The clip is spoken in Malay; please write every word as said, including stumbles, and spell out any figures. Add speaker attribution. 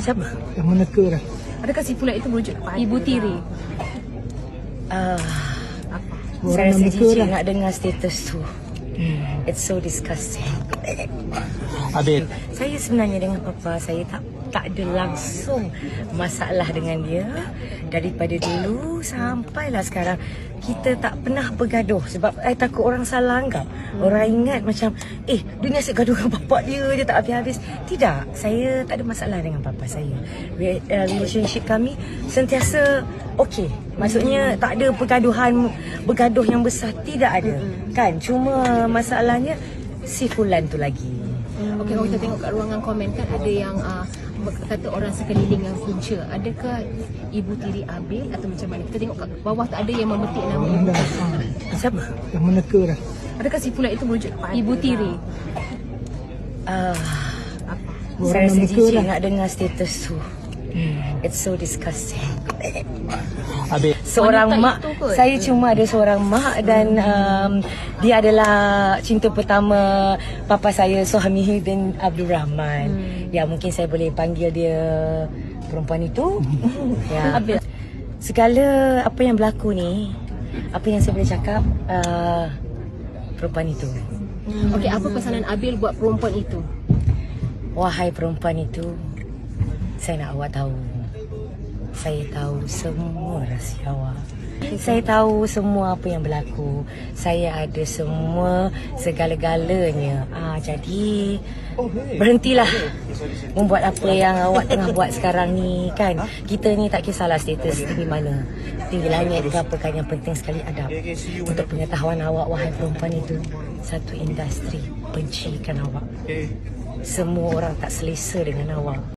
Speaker 1: Siapa?
Speaker 2: Yang meneka dah.
Speaker 3: Adakah si Fulan itu merujuk kepada Ibu Tiri?
Speaker 1: Uh,
Speaker 3: Apa?
Speaker 2: Orang
Speaker 1: saya
Speaker 2: yang
Speaker 1: rasa
Speaker 2: meneka
Speaker 1: jijik
Speaker 2: dah.
Speaker 1: nak dengar status tu.
Speaker 2: Hmm.
Speaker 1: It's so disgusting.
Speaker 2: Abil.
Speaker 1: Saya sebenarnya dengan papa, saya tak tak ada langsung masalah dengan dia. Daripada dulu sampailah sekarang, kita tak pernah bergaduh. Sebab saya takut orang salah anggap. Orang ingat macam, eh, dia ni asyik gaduh dengan bapak dia, dia tak habis-habis. Tidak, saya tak ada masalah dengan papa saya. Re- uh, Relationship kami sentiasa okey. Maksudnya tak ada pergaduhan, bergaduh yang besar. Tidak ada. Kan, cuma masalahnya si Fulan tu lagi.
Speaker 3: Okey, kalau kita tengok kat ruangan komen kan ada yang uh, kata orang sekeliling yang punca. Adakah Ibu Tiri Abil atau macam mana? Kita tengok kat bawah tu ada yang memetik nama Ibu
Speaker 2: Dah.
Speaker 3: Tiri.
Speaker 1: Siapa?
Speaker 2: Yang meneka dah.
Speaker 3: Adakah si Fulan itu merujuk kepada Ibu Tiri?
Speaker 1: Uh,
Speaker 3: Apa?
Speaker 2: Orang
Speaker 1: saya rasa
Speaker 2: yang meneka
Speaker 1: jijik
Speaker 2: dah.
Speaker 1: nak dengar status tu.
Speaker 2: Hmm.
Speaker 1: It's so disgusting.
Speaker 2: Abil.
Speaker 1: Seorang
Speaker 3: Wanita
Speaker 1: mak,
Speaker 3: itu kot.
Speaker 1: saya cuma ada seorang mak dan um, dia adalah cinta pertama papa saya, Suhami bin Abdul Rahman. Hmm. Ya, mungkin saya boleh panggil dia perempuan itu. Ya.
Speaker 3: Abil.
Speaker 1: Segala apa yang berlaku ni, apa yang saya boleh cakap, uh, perempuan itu.
Speaker 3: Okey, apa pesanan Abil buat perempuan itu?
Speaker 1: Wahai perempuan itu, saya nak awak tahu. Saya tahu semua rahsia awak. Saya tahu semua apa yang berlaku. Saya ada semua segala-galanya. Ah, jadi berhentilah membuat apa yang awak tengah buat sekarang ni, kan. Kita ni tak kisahlah status tinggi mana, tinggi langit ke apa kan, yang penting sekali adab. Untuk pengetahuan awak, wahai perempuan itu, satu industri bencikan awak. Semua orang tak selesa dengan awak.